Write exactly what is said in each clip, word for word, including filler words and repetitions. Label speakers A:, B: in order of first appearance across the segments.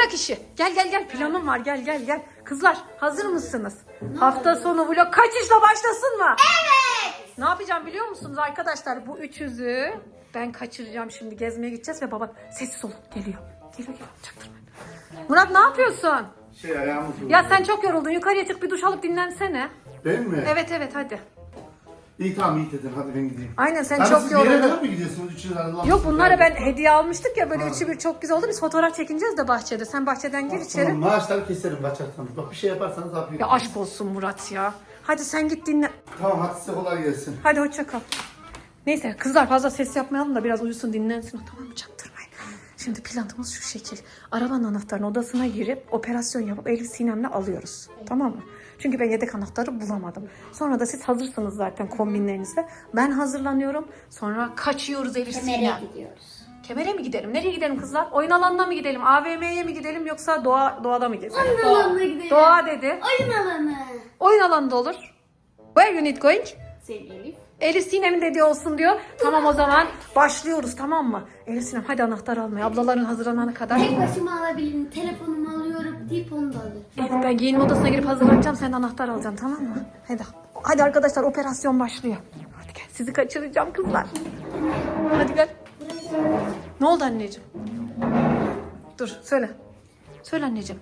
A: bırak işi. Gel gel gel, planım var, gel gel gel. Kızlar hazır mısınız? Hafta sonu vlog kaçışla başlasın mı?
B: Evet.
A: Ne yapacağım biliyor musunuz arkadaşlar? Bu üç yüzü ben kaçıracağım şimdi. Gezmeye gideceğiz ve baba sessiz olun, geliyor. Geliyor geliyor, çaktırmayın. Murat ne yapıyorsun?
C: Şey ayağımı vurdu.
A: Ya sen çok yoruldun, yukarıya çık bir duş alıp dinlensene.
C: Ben mi?
A: Evet evet hadi.
C: İyi tamam iyi dedin hadi ben gideyim.
A: Aynen sen
C: Hadi
A: çok
C: siz bir yere
A: yoruldun.
C: kadar mı gidiyorsunuz? Üçünüz ayrılan
A: Yok
C: mısınız?
A: bunlara
C: Yani-
A: ben hediye almıştık ya böyle
C: Ha.
A: üçü bir çok güzel oldu. Biz fotoğraf çekineceğiz de bahçede. Sen bahçeden gir içeri.
C: Tamam maaşları keserim kaçarsanız. Bak bir şey yaparsanız yapayım.
A: Ya aşk olsun Murat ya. Hadi sen git dinle.
C: Tamam hadi size kolay gelsin.
A: Hadi hoşça kal. Neyse kızlar fazla ses yapmayalım da biraz uyusun dinlensin. Tamam mı, çaktırmayın. Şimdi planımız şu şekil. Arabanın anahtarını odasına girip operasyon yapıp Elif Sinem'le alıyoruz. Tamam mı? Çünkü ben yedek anahtarı bulamadım. Sonra da siz hazırsınız zaten kombinlerinizle. Ben hazırlanıyorum. Sonra kaçıyoruz Elif
B: Kemer'e
A: Sinem.
B: gidiyoruz.
A: Kemer'e mi gidelim? Nereye gidelim kızlar? Oyun alanına mı gidelim? A V M'ye mi gidelim yoksa doğa doğada mı gezelim?
B: Oyun alanına gidelim.
A: Doğa dedi.
B: Oyun alanı.
A: Oyun alanında olur. Where you need going?
B: Sevgili Elif.
A: Elif Sinem'in dediği olsun diyor. Tamam o zaman başlıyoruz tamam mı? Elif Sinem hadi anahtar almaya. Ablaların hazırlanana kadar.
B: Tek başıma alabilirim. Telefonumu alıyorum deyip onu da alıyorum.
A: Elif ben giyinme odasına girip hazırlanacağım. Sen de anahtar alacaksın tamam mı? Hadi. Hadi arkadaşlar operasyon başlıyor. Hadi gel sizi kaçıracağım kızlar. Hadi gel. Ne oldu anneciğim? Dur söyle. Söyle anneciğim.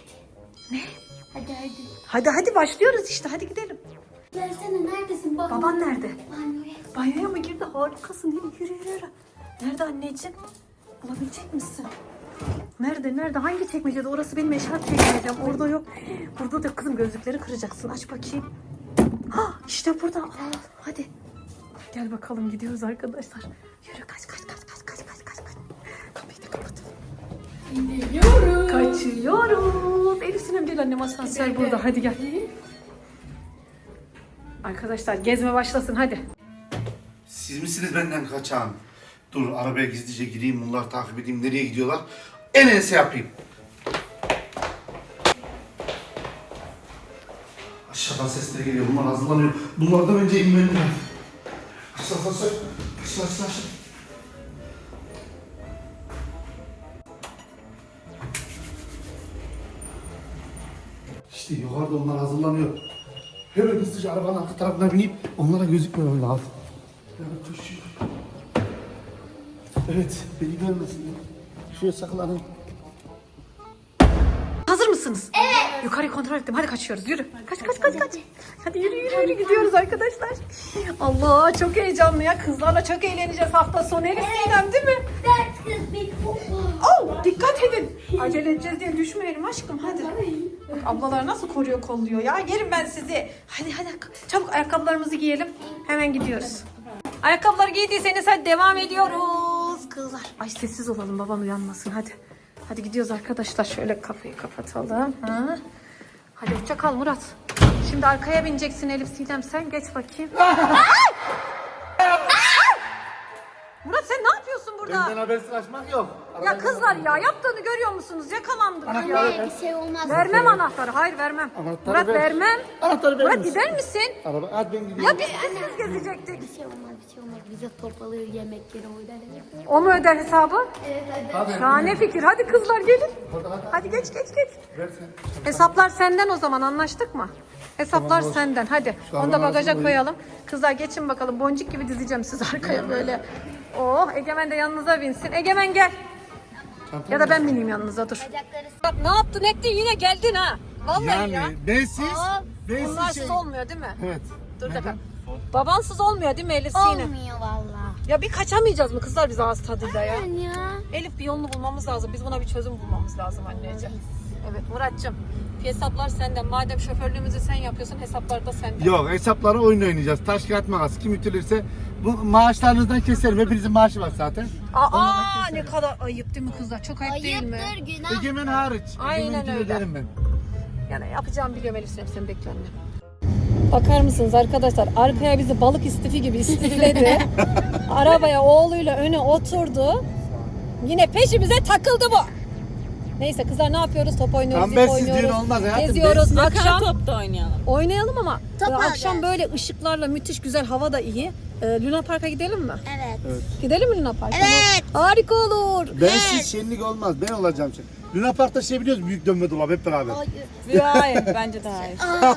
B: Hadi hadi.
A: Hadi hadi başlıyoruz işte hadi gidelim.
B: Versene neredesin? Bak.
A: Baban nerede?
B: Banyoya.
A: Banyoya mı girdi? Harikasın. Yürü yürü yürü. yürü. Nerede anneciğim? Bulabilecek misin? Nerede? Nerede? Hangi çekmecede? Orası benim eşarp çekmecem. Orada yok. Burada da kızım gözlükleri kıracaksın. Aç bakayım. Ha işte burada. Al, al. Hadi. Gel bakalım gidiyoruz arkadaşlar. Yürü kaç kaç kaç kaç kaç kaç kaç. kaç. Kapıyı da kapatalım.
B: Gidiyoruz.
A: Kaçıyoruz. Elif Sinem gel annem asansör burada. Hadi gel. Arkadaşlar gezme başlasın hadi.
C: Siz misiniz benden kaçan? Dur arabaya gizlice gireyim bunları takip edeyim nereye gidiyorlar? En ense yapayım. Aşağıdan sesleri geliyor bunlar hazırlanıyor. Bunlardan önce inmem lazım. Aşağı aşağı aşağı aşağı aşağı aşağı. İşte yukarıda onlar hazırlanıyor. Hemen hızlıca arabanın arka tarafına binip onlara gözükmemem lazım. Evet, koşuyor. Evet, beni görmesinler. Şuraya saklanın.
A: Hazır mısınız? Evet. Yukarıyı kontrol ettim. Hadi kaçıyoruz. Yürü. Kaç kaç kaç kaç. Hadi yürü yürü yürü gidiyoruz arkadaşlar. Allah çok heyecanlı ya. Kızlarla çok eğleneceğiz hafta sonu. Elif Sinem değil mi?
B: Dert kız bir
A: Oh, dikkat edin. Acele edeceğiz diye düşmeyelim aşkım. Hadi. Bak ablalar nasıl koruyor kolluyor ya. Yerim ben sizi. Hadi hadi çabuk ayakkabılarımızı giyelim. Hemen gidiyoruz. Ayakkabıları giydiyseniz hadi devam ediyoruz. Kızlar. Ay sessiz olalım baban uyanmasın hadi. Hadi gidiyoruz arkadaşlar. Şöyle kapıyı kapatalım. Ha? Hadi hoşça kal Murat. Şimdi arkaya bineceksin Elif Sinem sen geç bakayım. Murat sen ne yapıyorsun burada?
C: Benden habersiz kaçmak yok.
A: Ya kızlar ya yaptığını görüyor musunuz? Yakalandık ya.
B: Anne bir şey olmaz.
A: Vermem anahtarı. Hayır vermem.
C: Anahtarı
A: Murat
C: ver.
A: vermem.
C: Anahtarı verir
A: Murat
C: misin?
A: gider misin?
C: Araba, hadi ben gidiyorum.
A: Ya biz siz gezecektik.
B: Bir şey olmaz bir şey olmaz. Bize topalı yemekleri oynayalım.
A: O mu öder hesabı?
B: Evet hadi.
C: Hadi.
A: Şahane fikir. Hadi kızlar gelin.
C: Hadi, hadi.
A: Hadi geç geç geç.
C: Ver sen.
A: Hesaplar senden o zaman anlaştık mı? Hesaplar
C: Tamam,
A: senden. Hadi.
C: Şu an
A: Onu da
C: bana
A: bagaja
C: nasıl
A: koyalım. Kızlar geçin bakalım. Boncuk gibi dizeceğim siz arkaya böyle. Oh Egemen de yanınıza binsin. Egemen gel. Ya da ben bineyim yanınıza dur.
B: Bacakları
A: Bak ne yaptın ettin yine geldin ha. Vallahi
C: Yani
A: ya.
C: bensiz,
A: Aa,
C: bensiz
A: bunlarsız
C: şey.
A: olmuyor değil mi?
C: Evet.
A: Dur
C: Neden?
A: dakika. Babansız olmuyor değil mi Elif Sinem?
B: olmuyor valla.
A: Ya bir kaçamayacağız mı kızlar biz ağız tadıyla ya?
B: Aynen ya.
A: Elif bir yolunu bulmamız lazım. Biz buna bir çözüm bulmamız lazım anneciğim. Evet Muratcığım. Hesaplar senden. Madem şoförlüğümüzü sen yapıyorsun hesaplar da senden.
C: Yok hesaplara oyun oynayacağız. Taş kağıt makas. Kim ütülürse bu maaşlarınızdan keserim. Hepinizin maaşı var zaten.
A: Aa ne kadar ayıp değil mi kızlar? Çok ayıp değil mi?
B: Ayıptır günah.
C: Egemen hariç.
A: Aynen
C: Egemen ütü
A: öyle.
C: ederim ben.
A: Yani yapacağımı biliyorum Elif Sinem sen bekle anne. Bakar mısınız arkadaşlar? Arkaya bizi balık istifi gibi istifledi. Arabaya oğluyla öne oturdu. Yine peşimize takıldı bu. Neyse kızlar ne yapıyoruz? Top oynuyoruz,
C: Tam
A: ip
C: bensiz düğün
A: oynuyoruz.
C: olmaz hayatım.
A: Geziyoruz.
C: Bensiz-
A: Akşam
D: Top da oynayalım.
A: oynayalım ama
B: Top
A: e, akşam
B: alacağız.
A: böyle ışıklarla müthiş güzel hava da iyi. Ee, Luna Park'a gidelim mi?
B: Evet.
A: Gidelim mi Luna Park'a?
B: Evet.
A: Harika olur.
C: Bensiz şenlik olmaz. Ben olacağım şimdi. Luna Park'ta şey biliyoruz, büyük dönme dolabı hep beraber.
D: Hayır, bence de hayır.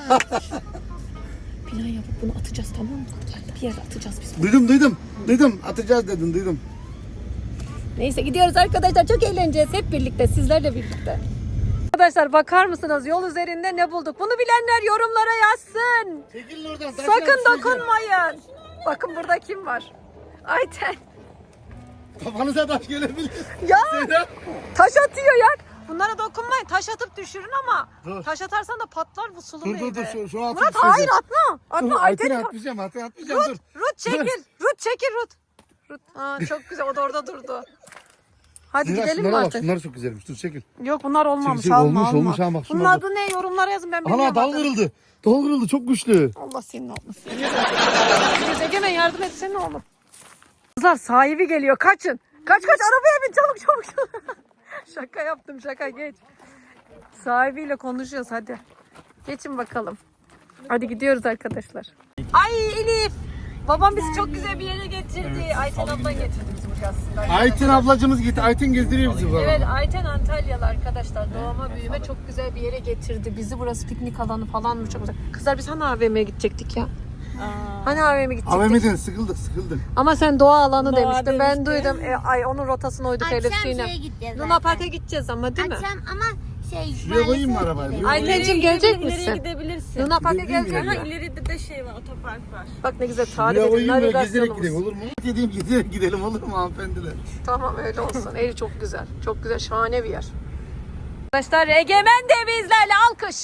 A: Plan yapıp bunu atacağız, tamam mı? Bir yere atacağız biz.
C: Duydum duydum. Duydum. Atacağız dedin duydum.
A: Neyse gidiyoruz arkadaşlar. Çok eğleneceğiz hep birlikte. Sizlerle birlikte. Arkadaşlar bakar mısınız? Yol üzerinde ne bulduk? Bunu bilenler yorumlara yazsın.
C: Çekilin oradan.
A: Sakın dokunmayın. Bakın burada kim var? Ayten.
C: Kafanıza taş gelebilir.
A: Ya
C: Seyran.
A: taş atıyor ya. Bunlara dokunmayın. Taş atıp düşürün ama.
C: Dur.
A: Taş atarsan da patlar bu sulu
C: Dur
A: meyve.
C: dur dur. Şu, şu atı
A: Murat
C: düşüreceğim.
A: hayır atma. Atma
C: Dur,
A: Ayten'i.
C: Ayten'i atmayacağım. Ayten'i atmayacağım. Dur.
A: Rut çekil. Rut çekil Rut. Rut. Aa, çok güzel. O da orada durdu. Hadi
C: Seyran,
A: gidelim mi
C: şunlara bak.
A: artık?
C: Şunlar çok güzelmiş. Dur çekil.
A: Yok bunlar olmamış.
C: Çekil,
A: Alma
C: olmuş,
A: alma.
C: olmuş ha, bak
A: Bunun
C: şunlar
A: adı ne? Yorumlara yazın ben bilmiyorum.
C: Ana dal
A: adını.
C: kırıldı. Dal kırıldı. Çok güçlü.
A: Allah senin olmasın. Biz Egemen yardım etsene oğlum. Kızlar sahibi geliyor. Kaçın. Kaç kaç arabaya bin çabuk çabuk. Şaka yaptım şaka geç. Sahibiyle konuşuyoruz hadi. Geçin bakalım. Hadi gidiyoruz arkadaşlar. Ay Elif. Babam bizi çok güzel bir yere getirdi. Ayten ablan getirdi bizi buraya aslında.
C: Ayten ablacımız gitti. Ayten gezdiriyor bizi bu
A: Evet
C: arada.
A: Ayten Antalyalı arkadaşlar. Doğma büyüme çok güzel bir yere getirdi. Bizi burası piknik alanı falan mı çok güzel. Kızlar biz hani A V M'ye gidecektik ya. Hani A V M'ye gidecektik.
C: A V M'den sıkıldık sıkıldık.
A: Ama sen doğa alanı
D: Doğa
A: demiştin. Ben
D: demişti.
A: duydum. E, ay onun rotasına uyduk Elif
B: Akşam
A: Sinem.
B: şeye gideceğiz
A: Luna
B: zaten.
A: Park'a gideceğiz ama değil mi?
B: Akşam ama şey...
C: Şuraya koyayım mı
B: maalesef
C: arabayı?
B: gidelim.
A: Ay, Aytenciğim, gelecek misin?
D: İleriye gidebilirsin.
A: Luna Park'a
C: Gidebilir miyim
A: gelecek
D: Ha,
A: mi?
D: ileride de şey var, otopark var.
A: Bak ne güzel tarif
C: Buraya
A: edin.
C: koyayım böyle gezerek
A: Navigasyonumuz.
C: gidelim olur mu? Gidelim gidelim gidelim olur mu hanımefendiler?
A: Tamam öyle olsun. Evi çok güzel. Çok güzel şahane bir yer. Arkadaşlar Egemen de bizlerle alkış.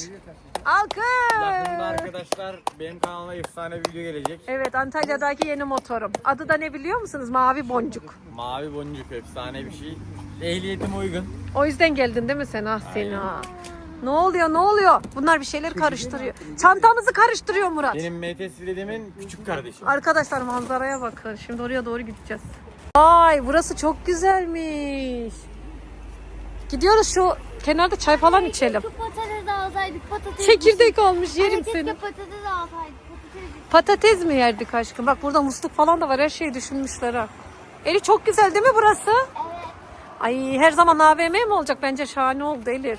E: Yakında
A: Alkış.
E: arkadaşlar benim kanalıma efsane bir video gelecek.
A: Evet Antalya'daki yeni motorum. Adı da ne biliyor musunuz? Mavi Boncuk.
E: Mavi boncuk efsane bir şey. Ehliyetim uygun.
A: O yüzden geldin değil mi sen? Ah seni ha. Ne oluyor ne oluyor? Bunlar bir şeyler karıştırıyor. Çantamızı karıştırıyor Murat.
E: Benim M T S dedemin küçük kardeşi.
A: Arkadaşlar manzaraya bakın. Şimdi oraya doğru gideceğiz. Ay burası çok güzelmiş. Gidiyoruz şu kenarda çay falan içelim.
B: Keşke patates alsaydık patates.
A: Çekirdek almış yerim
B: Keşke
A: seni.
B: patates alsaydık patates.
A: Patates mi yerdik aşkım? Bak burada musluk falan da var. Her şeyi düşünmüşler ha. Elif çok güzel değil mi burası?
B: Evet.
A: Ay her zaman A V M mi olacak? Bence şahane oldu Elif.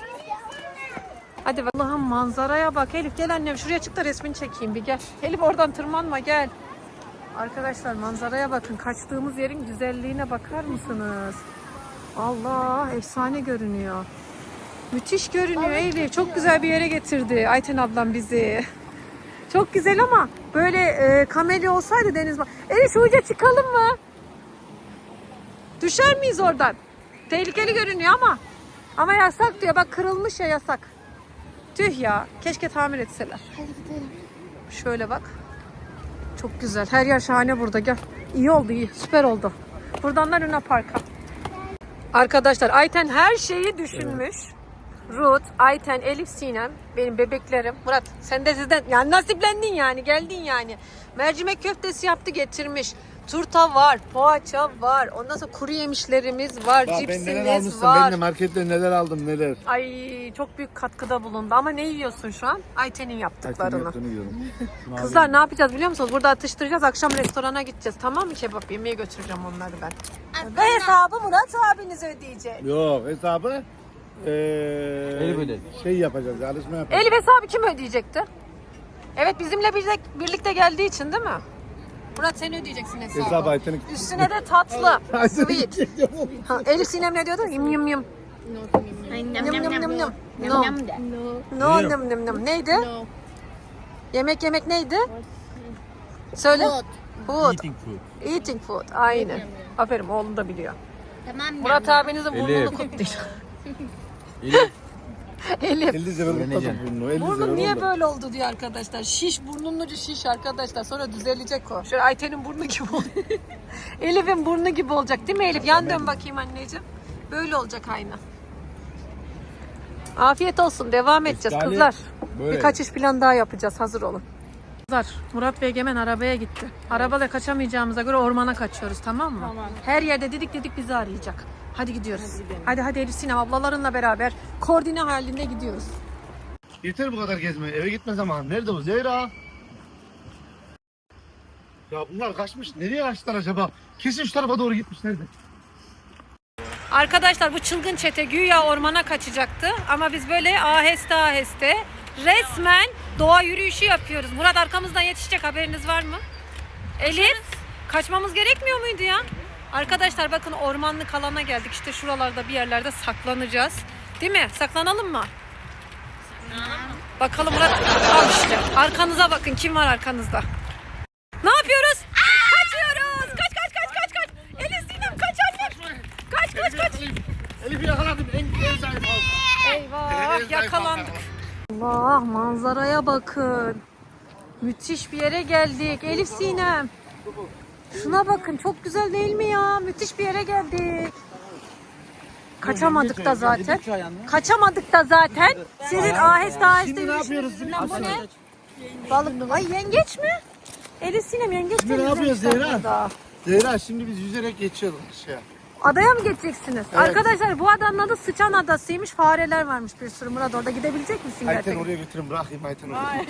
A: Hadi Allah'ım manzaraya bak. Elif gel annem şuraya çık da resmini çekeyim bir gel. Elif oradan tırmanma gel. Arkadaşlar manzaraya bakın. Kaçtığımız yerin güzelliğine bakar mısınız? Allah efsane görünüyor. Müthiş görünüyor Elif. Çok güzel bir yere getirdi Ayten ablam bizi. Çok güzel ama böyle e, kamelya olsaydı deniz... Elif şu uca çıkalım mı? Düşer miyiz oradan? Tehlikeli görünüyor ama. Ama yasak diyor. Bak kırılmış ya yasak. Tüh ya. Keşke tamir etseler.
B: Hadi gidelim.
A: Şöyle bak. Çok güzel. Her yer şahane burada. Gel. İyi oldu iyi. Süper oldu. Buradan da Luna Park'a. Arkadaşlar Ayten her şeyi düşünmüş. Ruth, Ayten, Elif, Sinem benim bebeklerim. Murat sen de sizden yani nasiplendin yani geldin yani. Mercimek köftesi yaptı getirmiş. Turta var, poğaça var. Ondan sonra kuru yemişlerimiz var,
C: Ya ben neler
A: cipsimiz
C: almışsın
A: var.
C: ben de markette neler aldım neler.
A: Ay çok büyük katkıda bulundu ama ne yiyorsun şu an? Ayten'in
C: Ayten'in
A: yaptıklarını.
C: yaptığını yiyorum.
A: Kızlar ne yapacağız biliyor musunuz? Burada atıştıracağız. Akşam restorana gideceğiz. Tamam mı kebap yemeye götüreceğim onları ben. Ve hesabı Murat abiniz ödeyecek.
C: Yok hesabı eee
E: Elif ödedi.
C: şey yapacağız yarışma yapacağız.
A: Elif hesabı kim ödeyecekti? Evet bizimle birlikte, birlikte geldiği için değil mi? Murat sen ödeyeceksin hesabı.
C: Hesabı Ayten'in.
A: Üstüne de tatlı.
C: Ayten'in
A: Sweet. Ha, Elif Sinem ne diyordu? Yum yum yum. Yum yum yum yum. No. No yum yum yum. Neydi? Yemek yemek neydi? Söyle.
B: Food.
A: Food.
E: Eating food.
A: Eating food. Aynen. Aferin oğlum da biliyor.
B: Tamam.
A: Murat abinizin burnunu
E: Elif.
A: kutlayacak.
E: Elif.
A: Elif.
C: elli sefer kutladım
E: Öğreneceğim.
C: bunu. elli
A: Burnun
C: sefer
A: niye
C: oldu.
A: böyle oldu diyor arkadaşlar. Şiş burnunun ucu şiş arkadaşlar. Sonra düzelecek o. Şöyle Ayten'in burnu gibi oldu. Elif'in burnu gibi olacak değil mi Elif? Yan dön bakayım anneciğim. Böyle olacak aynı. Afiyet olsun. Devam edeceğiz
E: Efsane.
A: kızlar.
E: Böyle.
A: Birkaç iş plan daha yapacağız. Hazır olun. Kızlar Murat ve Egemen arabaya gitti. Arabayla kaçamayacağımıza göre ormana kaçıyoruz tamam mı?
D: Tamam.
A: Her yerde didik didik bizi arayacak. Hadi gidiyoruz. Hadi hadi Elif Sinem ablalarınla beraber koordine halinde gidiyoruz.
C: Yeter bu kadar gezme. Eve gitme zamanı. Nerede bu Zehra? Ya bunlar kaçmış. Nereye kaçtılar acaba? Kesin şu tarafa doğru gitmiş. Nerede?
A: Arkadaşlar bu çılgın çete güya ormana kaçacaktı. Ama biz böyle aheste aheste resmen doğa yürüyüşü yapıyoruz. Murat arkamızdan yetişecek, haberiniz var mı? Elif, kaçmamız gerekmiyor muydu ya? Arkadaşlar bakın ormanlık alana geldik. İşte şuralarda bir yerlerde saklanacağız. Değil mi? Saklanalım mı? Bakalım Murat. Al işte. Arkanıza bakın. Kim var arkanızda? Ne yapıyoruz? Kaçıyoruz. Kaç kaç kaç kaç kaç. Elif Sinem kaç annem. Kaç kaç kaç.
C: Elif'i yakaladım. En, en zayıf aldım.
A: Eyvah, yakalandık. Allah, manzaraya bakın. Müthiş bir yere geldik. Elif Sinem. Şuna bakın, çok güzel değil mi ya? Müthiş bir yere geldik. Kaçamadık da zaten. Kaçamadık da zaten. Sizin aheste aheste
C: Şimdi ne yapıyoruz?
A: yürüyüşünüzden bu ne? Balık. Ay yengeç mi? Elif Sinem yengeç
C: Şimdi ne yapıyoruz
A: temizlemişler
C: Zehra?
A: burada.
C: Zehra şimdi biz yüzerek geçiyoruz aşağıya.
A: Adaya mı geçeceksiniz?
C: Evet.
A: Arkadaşlar bu adanın adı Sıçan Adası'ymış. Fareler varmış bir sürü. Murat orada gidebilecek misin
C: Ayten
A: gerçekten?
C: oraya götürün, bırakayım Ayten oraya.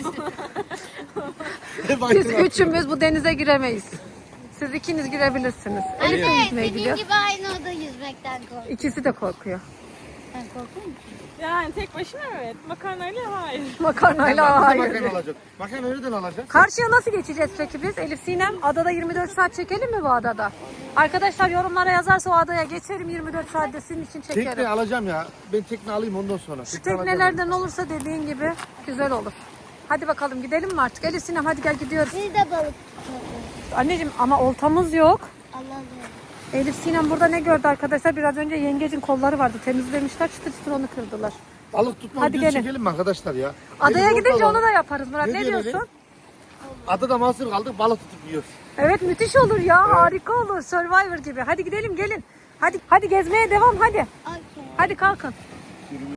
A: Biz üçümüz bu denize giremeyiz. Siz ikiniz girebilirsiniz. Elif de
B: Anne
A: yüzmeye
B: senin
A: gidiyor.
B: gibi aynı oda yüzmekten korkuyorum.
A: İkisi de korkuyor.
B: Ben korkuyor musun?
D: Yani tek başına evet. Makarnayla hayır.
A: Makarnayla hayır.
C: Makarna alacak. Makarna nereden alacak?
A: Karşıya nasıl geçeceğiz peki biz? Elif Sinem, adada yirmi dört saat çekelim mi bu adada? Arkadaşlar yorumlara yazarsa o adaya geçerim, yirmi dört saatte sizin için
C: Tekne
A: çekerim.
C: alacağım ya. Ben tekne alayım ondan sonra.
A: Şu
C: Tekne alacağım.
A: teknelerden olursa dediğin gibi güzel olur. Hadi bakalım gidelim mi artık? Elif Sinem hadi gel gidiyoruz.
B: Biz de balık tutuyoruz.
A: Anneciğim ama oltamız yok.
B: Allah Allah.
A: Elif Sinem burada ne gördü arkadaşlar? Biraz önce yengecin kolları vardı. Temizlemişler, çıtır çıtır onu kırdılar.
C: Balık tutma
A: Hadi
C: videosu
A: gelin.
C: çekelim mi arkadaşlar ya?
A: Adaya
C: Elif
A: gidince
C: orada
A: onu da yaparız Murat.
C: Ne
A: Ne,
C: diyorsun
A: diyorsun?
C: Adada mahsur kaldık, balık tutup yiyoruz.
A: Evet müthiş olur ya. Harika olur. Survivor gibi. Hadi gidelim gelin. Hadi hadi gezmeye devam hadi.
B: Okey.
A: Hadi kalkın.